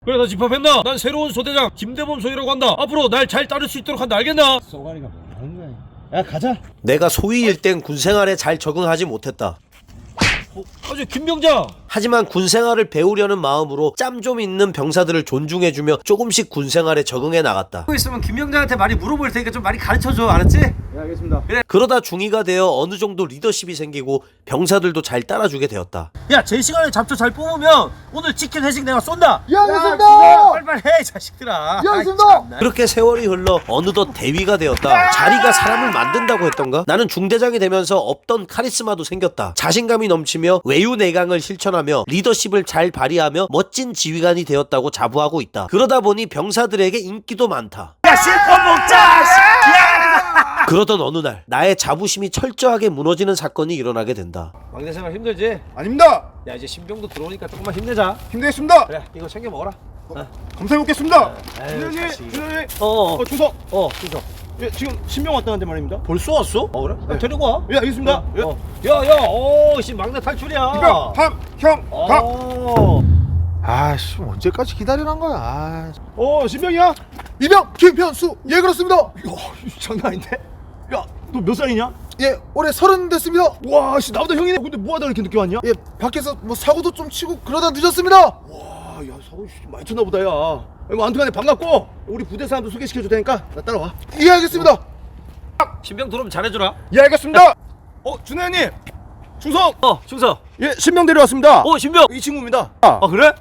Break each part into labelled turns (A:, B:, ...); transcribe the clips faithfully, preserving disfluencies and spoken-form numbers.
A: 그래, 나 집합했나? 난 새로운 소대장 김대범 소위라고 한다. 앞으로 날 잘 따를 수 있도록 한다. 알겠나?
B: 쏘가리가 뭐 하는 거야? 야, 가자.
C: 내가 소위일 땐 군생활에 잘 적응하지 못했다.
A: 어, 아주 김병장.
C: 하지만 군생활을 배우려는 마음으로 짬 좀 있는 병사들을 존중해주며 조금씩 군생활에 적응해 나갔다.
A: 있으면 김병장한테 많이 물어볼 테니까 좀 많이 가르쳐줘. 알았지?
B: 네, 알겠습니다.
A: 그래.
C: 그러다 중이가 되어 어느 정도 리더십이 생기고 병사들도 잘 따라주게 되었다.
A: 야, 제 시간에 잡초 잘 뽑으면 오늘 치킨 회식 내가 쏜다.
B: 예, 알겠습니다.
A: 빨리빨리 해, 자식들아.
B: 예, 알겠습니다.
C: 그렇게 세월이 흘러 어느덧 대위가 되었다. 자리가 사람을 만든다고 했던가? 나는 중대장이 되면서 없던 카리스마도 생겼다. 자신감이 넘치며 외유내강을 실천하며 리더십을 잘 발휘하며 멋진 지휘관이 되었다고 자부하고 있다. 그러다 보니 병사들에게 인기도 많다.
A: 야, 실컷 먹자. 야!
C: 그러던 어느 날 나의 자부심이 철저하게 무너지는 사건이 일어나게 된다.
A: 막내 생활 힘들지?
B: 아닙니다.
A: 야, 이제 신병도 들어오니까 조금만 힘내자.
B: 힘내겠습니다.
A: 그래, 이거 챙겨 먹어라. 어.
B: 감사해먹겠습니다.
A: 아유,
B: 준현님,
A: 자식.
B: 준현님.
A: 어,
B: 어, 주석.
A: 어, 주소.
B: 예, 지금 신병 왔다는데 말입니다.
A: 벌써 왔어? 어, 그래? 야, 데리고 와.
B: 예, 알겠습니다. 예.
A: 어. 야, 야, 오, 씨, 막내 탈출이야.
B: 이병, 함, 형, 각.
A: 어.
D: 아씨 언제까지 기다리란 거야. 아,
B: 어, 신병이야?
D: 이병 김현수. 예 그렇습니다.
B: 야, 장난 아닌데? 야, 너 몇 살이냐?
D: 예 올해 서른 됐습니다.
B: 와, 씨, 나보다 형이네. 근데 뭐하다 이렇게 늦게 왔냐?
D: 예 밖에서 뭐 사고도 좀 치고 그러다 늦었습니다.
B: 와, 야, 사고 씨, 많이 쳤나 보다, 야. 뭐 아무튼간에 반갑고 우리 부대 사람도 소개시켜줄 테니까 나 따라와.
D: 예 알겠습니다.
A: 신병 들어오면 잘해주라.
B: 예, 알겠습니다. 어, 준현님, 충성.
A: 어, 충성.
B: 예, 신병 데려왔습니다.
A: 어, 신병.
B: 이 친구입니다.
A: 아, 그래?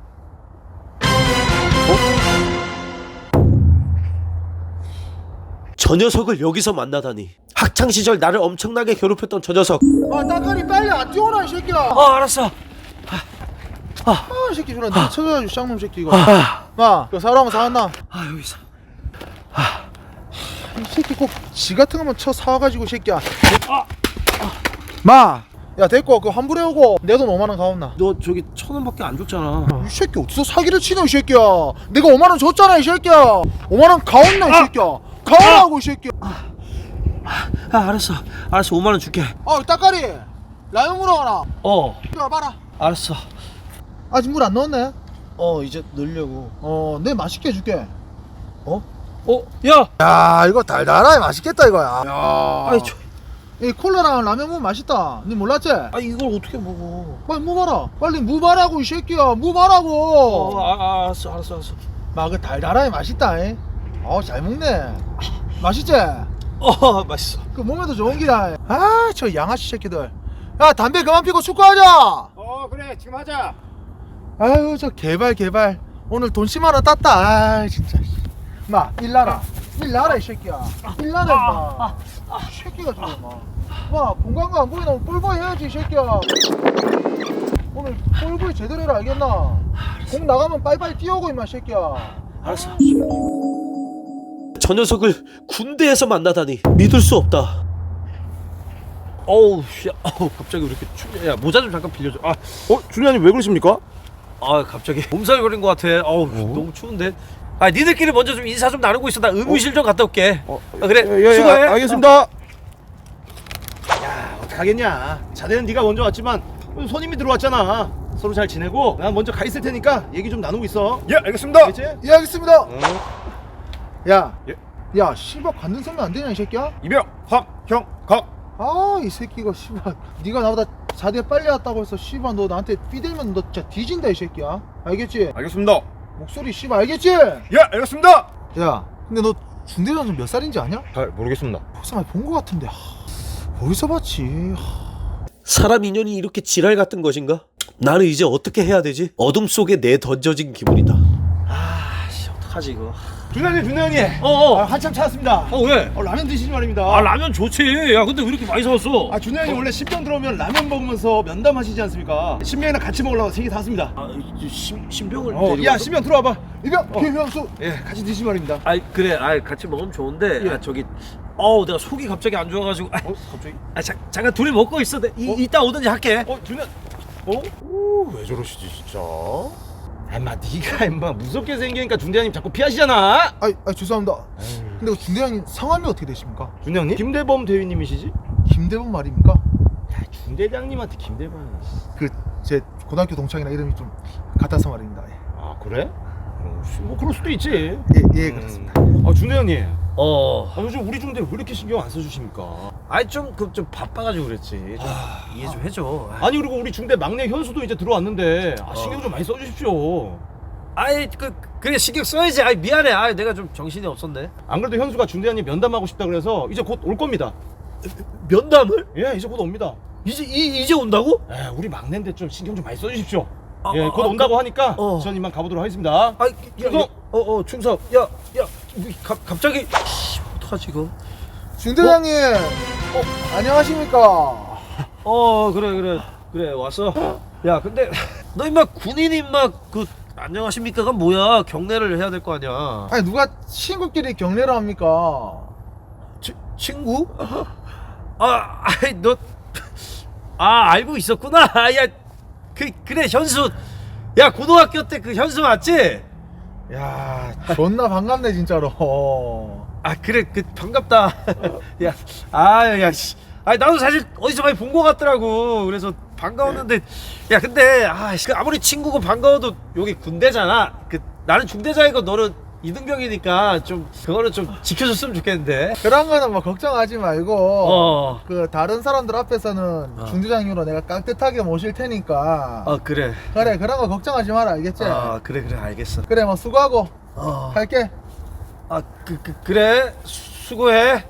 C: 저 녀석을 여기서 만나다니. 학창시절 나를 엄청나게 괴롭혔던 저 녀석.
D: 아 따까리 빨리 안 뛰어라 이 새끼야.
A: 어, 알았어.
D: 아이 새끼 저런 나 쳐줘야지 쌍놈 새끼 이거. 마그 사람 사왔나?
A: 아, 여기 있어.
D: 이 새끼 꼭 지 같은 거만 쳐 사와가지고 이 새끼야. 마. 야 됐고 그 환불해 오고 내 돈 오만 원 가온나.
A: 너 저기 천 원밖에 안 줬잖아.
D: 이 새끼 어디서 사기를 치노 이 새끼야. 내가 오만 원 줬잖아 이 새끼야. 오만 원 가온나 이 새끼야. 가오라고 이 새끼야.
A: 아, 알았어. 알았어. 오만 원 줄게.
D: 아 따까리 라면 물어가라.
A: 어,
D: 이리 와봐라.
A: 알았어.
D: 아직 물 안 넣었네.
A: 어, 이제 넣으려고.
D: 어, 내 맛있게 해줄게.
A: 어, 야.
D: 야, 이거 달달하게 맛있겠다 이거야. 야,
A: 아이, 저,
D: 이 콜라랑 라면 먹으면 맛있다. 니 몰랐지?
A: 아, 이걸 어떻게 먹어?
D: 빨리 무봐라. 빨리 무바라고 이 새끼야. 무바라고.
A: 어, 아, 아, 알았어, 알았어, 알았어.
D: 막 그 달달하게 맛있다. 이. 어, 잘 먹네. 맛있지?
A: 어, 맛있어.
D: 그 몸에도 좋은 기다. 아, 저 양아치 새끼들. 야, 담배 그만 피고 축구하자.
B: 어, 그래, 지금 하자.
D: 아유, 저 개발 개발. 오늘 돈 십만 원 땄다. 아, 진짜. 마, 일나라. 일나라 이 새끼야. 일나라 임마. 이 새끼가 저거 마. 마, 공간가 안 보이나 뿔보이 해야지 이 새끼야. 오늘 뿔보이 제대로 해라 알겠나? 공 나가면 빨리빨리 뛰어오고 임마 이 새끼야.
A: 알았어.
C: 저 녀석을 군대에서 만나다니 믿을 수 없다.
A: 어우, 씨, 어우, 갑자기 왜 이렇게 춥냐? 야, 모자 좀 잠깐 빌려줘. 아,
B: 어, 준현님 왜 그러십니까?
A: 아, 갑자기 몸살 걸린 것 같아. 어우, 너무 추운데. 아, 니들끼리 먼저 좀 인사 좀 나누고 있어. 나 의무실 좀 갔다 올게.
B: 어,
A: 아, 그래.
B: 예, 예,
A: 수고해.
B: 아, 알겠습니다. 야, 어떡하겠냐. 자네는 네가 먼저 왔지만 손님이 들어왔잖아. 서로 잘 지내고 난 먼저 가 있을 테니까 얘기 좀 나누고 있어. 예, 알겠습니다. 알겠지?
D: 예 알겠습니다.
B: 어.
D: 야,
B: 예.
D: 야, 씨발 관등 서면 안 되냐 이 새끼야?
B: 이병, 함, 형, 각.
D: 아, 이 새끼가 씨발. 네가 나보다 자대 빨리 왔다고 해서 씨발 너 나한테 삐대면 너 진짜 뒤진다 이 새끼야. 알겠지?
B: 알겠습니다.
D: 목소리 씨발 알겠지?
B: 예, 알겠습니다.
D: 야, 근데 너 중대장 몇 살인지 아냐?
B: 잘 모르겠습니다.
D: 벌써 많이 본 거 같은데. 하, 어디서 봤지? 하.
C: 사람 인연이 이렇게 지랄 같은 것인가? 나는 이제 어떻게 해야 되지? 어둠 속에 내 던져진 기분이다.
A: 아, 씨, 어떡하지 이거?
B: 준현님, 준현님.
A: 어, 어.
B: 아, 한참 찾았습니다.
A: 어, 왜?
B: 어, 라면 드시지 말입니다.
A: 아, 라면 좋지. 야, 근데 왜 이렇게 많이 사왔어?
B: 아, 준현님 원래 신병 들어오면 라면 먹으면서 면담하시지 않습니까? 신병이랑 같이 먹으려고 세 개 샀습니다.
A: 아, 이 신, 신병을
B: 어,
A: 데리고
B: 야,
A: 와서?
B: 신병 들어와봐.
D: 이병
B: 어.
D: 김현수.
B: 예, 같이 드시지 말입니다.
A: 아이, 그래. 아이, 같이 먹으면 좋은데.
B: 예.
A: 아, 저기 어우, 내가 속이 갑자기 안 좋아가지고. 아,
B: 어, 갑자기?
A: 아, 자, 잠깐 둘이 먹고 있어. 내, 이,
B: 어?
A: 이따 오든지 할게.
B: 어, 준현. 어? 오, 왜 저러시지 진짜? 엄마, 네가 임마 무섭게 생기니까 중대장님 자꾸 피하시잖아.
D: 아, 아 죄송합니다. 근데 그 중대장님 성함이 어떻게 되십니까?
B: 중대장님? 김대범 대위님이시지?
D: 김대범 말입니까?
B: 야, 중대장님한테 김대범이.
D: 그 제 고등학교 동창이랑 이름이 좀 같아서 말입니다. 예.
B: 아, 그래? 어, 뭐 그럴 수도 있지.
D: 예, 예 그렇습니다.
B: 아 중대장님,
A: 어.
B: 아, 요즘 우리 중대 왜 이렇게 신경 안 써주십니까?
A: 아이 좀 그 좀 바빠가지고 그랬지. 좀 이해 좀 해줘.
B: 아니 그리고 우리 중대 막내 현수도 이제 들어왔는데 아, 신경 좀 많이 써주십시오.
A: 아이 그 그래 신경 써야지. 아이 미안해. 아이 내가 좀 정신이 없었네.
B: 안 그래도 현수가 중대장님 면담하고 싶다 그래서 이제 곧 올 겁니다.
A: 면담을?
B: 예, 이제 곧 옵니다.
A: 이제 이, 이제 온다고?
B: 에, 우리 막내인데 좀 신경 좀 많이 써주십시오.
A: 아,
B: 예,
A: 아,
B: 곧
A: 아,
B: 온다고
A: 그-
B: 하니까
A: 어.
B: 전 이만 가보도록 하겠습니다.
A: 아이
B: 충성!
A: 어어 충성. 야야 갑 갑자기 씨, 어떡하지 이거?
D: 중대장님, 어, 안녕하십니까?
A: 어 그래 그래 그래 왔어. 야 근데 너 임마 군인 임마 그 안녕하십니까가 뭐야? 경례를 해야 될 거 아니야.
D: 아니 누가 친구끼리 경례를 합니까?
A: 치, 친구? 아 아이 너 아 알고 있었구나. 야 그 그래 현수. 야 고등학교 때 그 현수 맞지?
D: 야, 존나 반갑네 진짜로.
A: 아 그래 그 반갑다. 야 아야 씨. 아니 나도 사실 어디서 많이 본 거 같더라고. 그래서 반가웠는데 야 근데 아 그 아무리 친구고 반가워도 여기 군대잖아. 그 나는 중대장이고 너는 이등병이니까 좀 그거는 좀 지켜줬으면 좋겠는데.
D: 그런 거는 뭐 걱정하지 말고
A: 어.
D: 그 다른 사람들 앞에서는
A: 어.
D: 중대장님으로 내가 깍듯하게 모실 테니까
A: 어 그래.
D: 그래 그런 거 걱정하지 마라 알겠지?
A: 아 그래 그래 알겠어.
D: 그래 뭐 수고하고
A: 어.
D: 갈게.
A: 아 그 그 그, 래 수고해.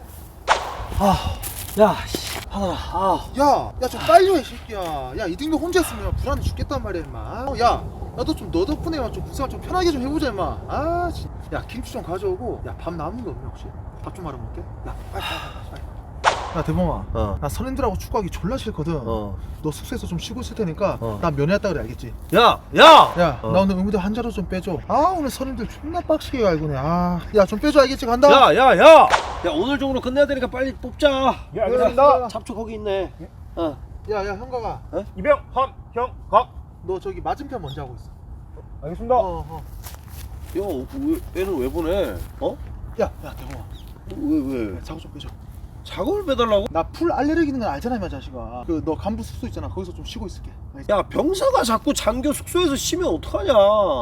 A: 아야 하늘아. 아.
D: 야, 야 좀 빨리 와 이 새끼야. 야 이등병 혼자 있으면 불안해 죽겠단 말이야 임마. 어, 야, 나도 좀 너 덕분에만 좀 국생활 좀 편하게 좀 해보자 임마. 아, 진. 야 김치 좀 가져오고. 야 밥 남은 거 없냐 혹시? 밥 좀 말아 먹게. 야, 빨리 빨리 빨리. 빨리. 야 대범아,
A: 어.
D: 나 선임들하고 축구하기 졸라 싫거든.
A: 어.
D: 너 숙소에서 좀 쉬고 있을 테니까
A: 어.
D: 나 면회했다 그래 알겠지?
A: 야 야.
D: 야,
A: 어.
D: 나 오늘 의무대 한 자로 좀 빼줘. 아 오늘 선임들 존나 빡시게 갈구네. 아, 야 좀 빼줘 알겠지? 간다.
A: 야, 야, 야! 야, 오늘 중으로 끝내야 되니까 빨리 뽑자.
B: 예, 알겠습니다.
A: 잡초 거기 있네. 어.
D: 야, 야 형가가,
B: 이병, 함, 형, 각.
D: 너 저기 맞은편 먼저 하고 있어.
B: 알겠습니다.
D: 어, 어.
A: 야, 왜, 얘는 왜 보내? 어?
D: 야, 야 대범아,
A: 왜, 왜?
D: 야, 작업 좀 빼줘.
A: 작업을 빼달라고?
D: 나 풀 알레르기 있는 건 알잖아 임마 자식아. 그 너 간부 숙소 있잖아 거기서 좀 쉬고 있을게. 알겠지?
A: 야, 병사가 자꾸 장교 숙소에서 쉬면 어떡하냐?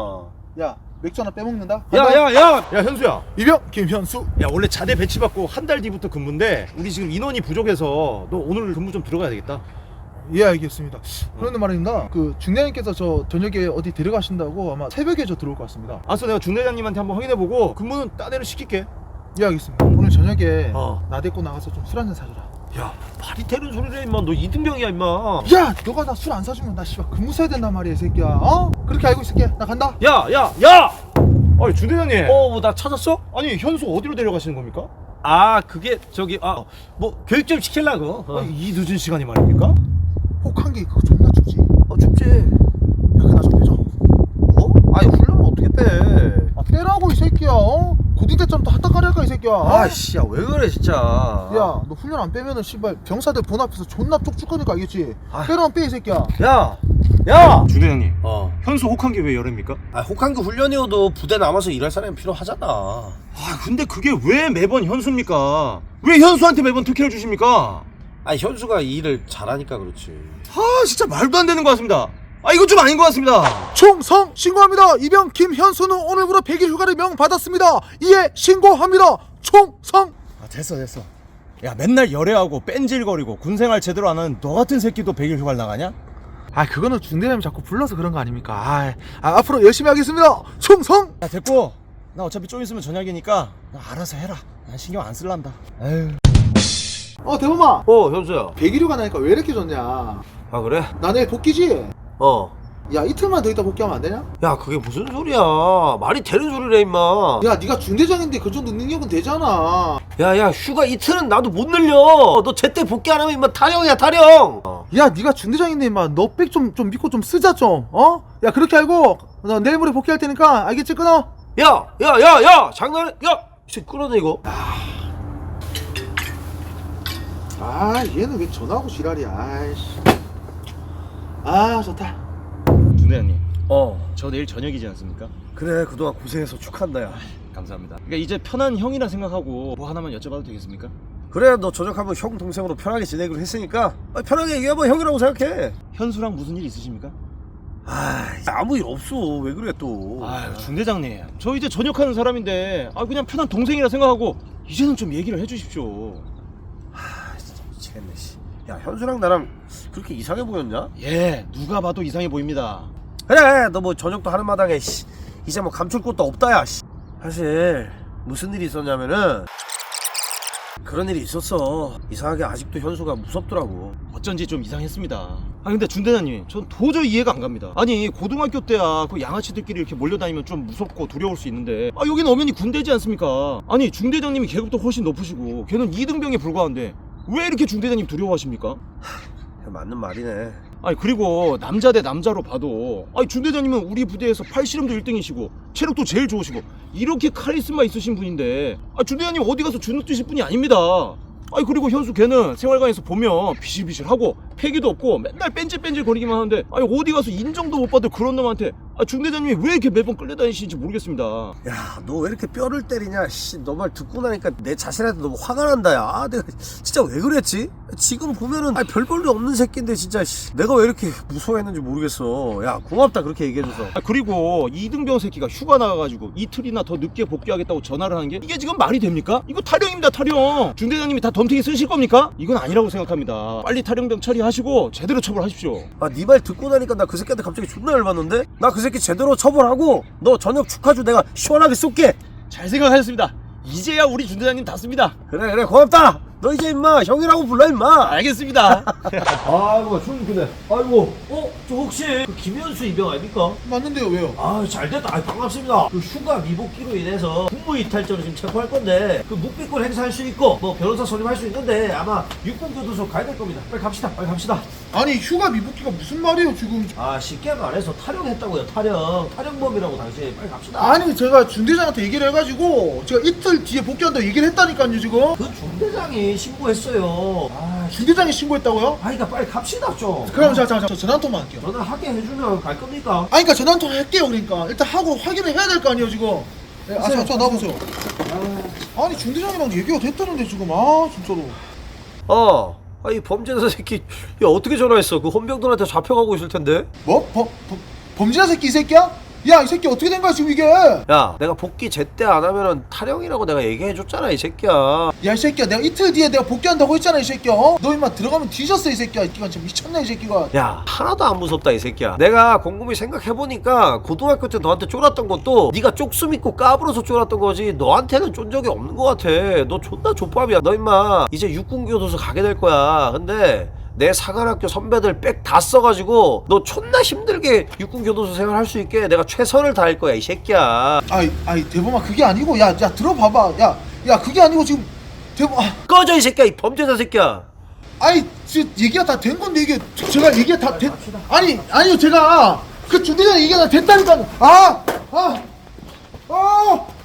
D: 야 맥주 하나 빼먹는다.
A: 야,
D: 간다.
A: 야, 야!
B: 야, 현수야.
D: 이병 김현수.
B: 야, 원래 자대 배치받고 한 달 뒤부터 근무인데 우리 지금 인원이 부족해서 너 오늘 근무 좀 들어가야 되겠다.
D: 예 알겠습니다. 그런데 말입니다. 그 중대장님께서 저 저녁에 어디 데려가신다고 아마 새벽에 저 들어올 것 같습니다.
B: 알았어, 내가 중대장님한테 한번 확인해보고 근무는 따대로 시킬게.
D: 예 알겠습니다. 오늘 저녁에
A: 어.
D: 나 데리고 나가서 좀 술 한잔 사주라.
A: 야, 말이 되는 소리를 해, 임마. 너 이등병이야, 임마.
D: 야 너가 나 술 안 사주면 나 씨발 근무 써야 된단 말이야 이 새끼야. 어? 그렇게 알고 있을게. 나 간다.
A: 야, 야, 야!
B: 아니, 중대장님.
A: 어, 뭐 나 찾았어?
B: 아니, 현수 어디로 데려가시는 겁니까?
A: 아, 그게 저기 아, 뭐 교육 좀 시키려고. 어.
B: 아니, 이 늦은 시간이 말입니까?
D: 혹한 게 그거 존나 춥지. 야
A: 어, 춥지.
D: 그나 좀 빼줘.
A: 어? 아니 훈련은 어떻게 빼?
D: 아 빼라고 이 새끼야. 어? 고딩 때좀 더 핫딱하랄까 이 새끼야. 어?
A: 아씨, 야 왜 그래 진짜.
D: 야, 너 훈련 안 빼면은 씨발 병사들 본 앞에서 존나 쪽쪽하니까 알겠지?
A: 아.
D: 빼라면 빼 이 새끼야.
A: 야, 야.
B: 중대장님.
A: 어.
B: 현수 혹한 게 왜 열입니까?
A: 아 혹한기 훈련이어도 부대 남아서 일할 사람이 필요하잖아.
B: 아, 근데 그게 왜 매번 현수입니까? 왜 현수한테 매번 특혜를 주십니까?
A: 아 현수가 이 일을 잘하니까 그렇지.
B: 아, 진짜 말도 안 되는 것 같습니다. 아, 이거 좀 아닌 것 같습니다.
D: 총성 신고합니다. 이병 김현수는 오늘부로 백 일 휴가를 명받았습니다. 이에 신고합니다. 총성.
E: 아 됐어 됐어. 야 맨날 열애하고 뺀질거리고 군생활 제대로 안 하는 너 같은 새끼도 백 일 휴가를 나가냐?
D: 아 그거는 중대장님 자꾸 불러서 그런 거 아닙니까? 아, 아 앞으로 열심히 하겠습니다. 총성.
E: 야 됐고 나 어차피 좀 있으면 저녁이니까 나 알아서 해라. 난 신경 안 쓸란다. 에휴.
D: 어 대범아.
A: 어 현수야.
D: 백 일 휴가 나니까 왜 이렇게 좋냐?
A: 아 그래?
D: 나 내일 복귀지?
A: 어.
D: 야 이틀만 더 있다 복귀하면 안 되냐?
A: 야 그게 무슨 소리야? 말이 되는 소리래 임마.
D: 야 네가 중대장인데 그 정도 능력은 되잖아.
A: 야야 휴가 이틀은 나도 못 늘려. 너 제때 복귀 안 하면 임마 타령이야 타령. 어.
D: 야 네가 중대장인데 임마 너 백 좀 좀 믿고 좀 쓰자 좀. 어? 야 그렇게 알고 나 내일 모레 복귀할 테니까 알겠지? 끊어.
A: 야야야야 장난해? 야 이제 끌어내 이거.
D: 아 얘는 왜 전화하고 지랄이야. 아이씨. 아 좋다.
E: 중대장님
A: 어.
E: 저 내일 저녁이지 않습니까?
A: 그래 그동안 고생해서 축하한다 야.
E: 감사합니다. 그러니까 이제 편한 형이라 생각하고 뭐 하나만 여쭤봐도 되겠습니까?
A: 그래 너 저녁하면 형 동생으로 편하게 지내기로 했으니까 아, 편하게 얘기해봐 형이라고 생각해.
E: 현수랑 무슨 일 있으십니까?
A: 아 아무 일 없어. 왜 그래 또.
E: 아유 중대장님 저 이제 전역하는 사람인데 아 그냥 편한 동생이라 생각하고 이제는 좀 얘기를 해주십시오.
A: 미치겠네 씨. 야 현수랑 나랑 그렇게 이상해 보였냐?
E: 예 누가 봐도 이상해 보입니다.
A: 그래 너 뭐 저녁도 하는 마당에 씨. 이제 뭐 감출 것도 없다 야 씨. 사실 무슨 일이 있었냐면은 그런 일이 있었어. 이상하게 아직도 현수가 무섭더라고.
E: 어쩐지 좀 이상했습니다. 아 근데 중대장님 전 도저히 이해가 안 갑니다. 아니 고등학교 때야 그 양아치들끼리 이렇게 몰려다니면 좀 무섭고 두려울 수 있는데 아 여기는 엄연히 군대지 않습니까? 아니 중대장님이 계급도 훨씬 높으시고 걔는 이등병에 불과한데 왜 이렇게 중대장님 두려워하십니까?
A: 맞는 말이네.
E: 아니 그리고 남자 대 남자로 봐도 아니 중대장님은 우리 부대에서 팔씨름도 일 등이시고 체력도 제일 좋으시고 이렇게 카리스마 있으신 분인데 아 중대장님 어디 가서 주눅 드실 분이 아닙니다. 아니 그리고 현수 걔는 생활관에서 보면 비실비실하고 패기도 없고 맨날 뺀질뺀질 거리기만 하는데 아니 어디 가서 인정도 못 받을 그런 놈한테 아 중대장님이 왜 이렇게 매번 끌려다니시는지 모르겠습니다.
A: 야 너 왜 이렇게 뼈를 때리냐 씨. 너 말 듣고 나니까 내 자신한테 너무 화가 난다 야. 아, 내가 진짜 왜 그랬지? 지금 보면은 아, 별 볼일 없는 새끼인데 진짜 씨. 내가 왜 이렇게 무서워했는지 모르겠어. 야 고맙다 그렇게 얘기해줘서.
E: 아 그리고 이등병 새끼가 휴가 나가가지고 이틀이나 더 늦게 복귀하겠다고 전화를 하는 게 이게 지금 말이 됩니까? 이거 타령입니다 타령. 중대장님이 다 덤탱이 쓰실 겁니까? 이건 아니라고 생각합니다. 빨리 타령병 처리하시고 제대로 처벌하십시오.
A: 아 네 말 듣고 나니까 나 그 새끼한테 갑자기 존나 열받는데? 나 그 새끼 제대로 처벌하고 너 저녁 축하주 내가 시원하게 쏠게.
E: 잘 생각하셨습니다. 이제야 우리 중대장님 닿습니다.
A: 그래 그래 고맙다. 너 이제 임마 형이라고 불러 임마.
E: 알겠습니다.
A: 아이고 춤 근데 아이고 어? 저 혹시 그 김현수 이병 아닙니까?
D: 맞는데요 왜요?
A: 아 잘됐다. 아 반갑습니다. 그 휴가 미복귀로 인해서 국무 이탈죄로 지금 체포할 건데 그 묵비권 행사할 수 있고 뭐 변호사 선임할 수 있는데 아마 육군교도소 가야 될 겁니다. 빨리 갑시다. 빨리 갑시다.
D: 아니 휴가 미복귀가 무슨 말이에요 지금?
A: 아 쉽게 말해서 탈영했다고요. 탈영. 탈영범이라고 당시. 빨리 갑시다.
D: 아니 제가 중대장한테 얘기를 해가지고 제가 이틀 뒤에 복귀한다고 얘기를 했다니까요 지금.
A: 그 중대장이 신고했어요. 아,
D: 중대장이 신고했다고요?
A: 아이가 빨리 갑시다 좀.
D: 그럼 자, 자, 자, 전화 한 통만 할게요.
A: 전화하게 해주면 갈 겁니까?
D: 아니 그러니까 전화 한 통 할게요 그러니까 일단 하고 확인을 해야 될 거 아니에요 지금. 네, 아, 자, 자 나보세요. 아니 중대장이랑 얘기가 됐다는데 지금 아 진짜로.
A: 어. 아이 범죄자 새끼. 야 어떻게 전화했어? 그 헌병들한테 잡혀가고 있을 텐데.
D: 뭐? 범, 범, 범죄자 새끼 이 새끼야? 야 이 새끼 어떻게 된 거야 지금 이게?
A: 야 내가 복귀 제때 안 하면은 탈영이라고 내가 얘기해줬잖아 이 새끼야.
D: 야 이 새끼야 내가 이틀 뒤에 내가 복귀한다고 했잖아 이 새끼야. 어? 너 임마 들어가면 뒤졌어 이 새끼야. 이 새끼가 진짜 미쳤네 이 새끼가.
A: 야 하나도 안 무섭다 이 새끼야. 내가 곰곰이 생각해보니까 고등학교 때 너한테 쫄았던 것도 네가 쪽수 믿고 까불어서 쫄았던 거지 너한테는 쫀 적이 없는 것 같아. 너 존나 족밥이야. 너 임마 이제 육군교도소 가게 될 거야. 근데 내 사관학교 선배들 백 다 써가지고 너 존나 힘들게 육군교도소 생활할 수 있게 내가 최선을 다할 거야 이 새끼야.
D: 아이 아이 대범아 그게 아니고 야 야 들어봐봐. 야 야 그게 아니고 지금 대범 아,
A: 꺼져 이 새끼야 이 범죄자 새끼야.
D: 아니 지금 얘기가 다 된 건데 이게 저- 제가 얘기가 다 됐. 아니 아니요 제가 그 중대장 얘기가 다 됐다니까. 아 아. 아!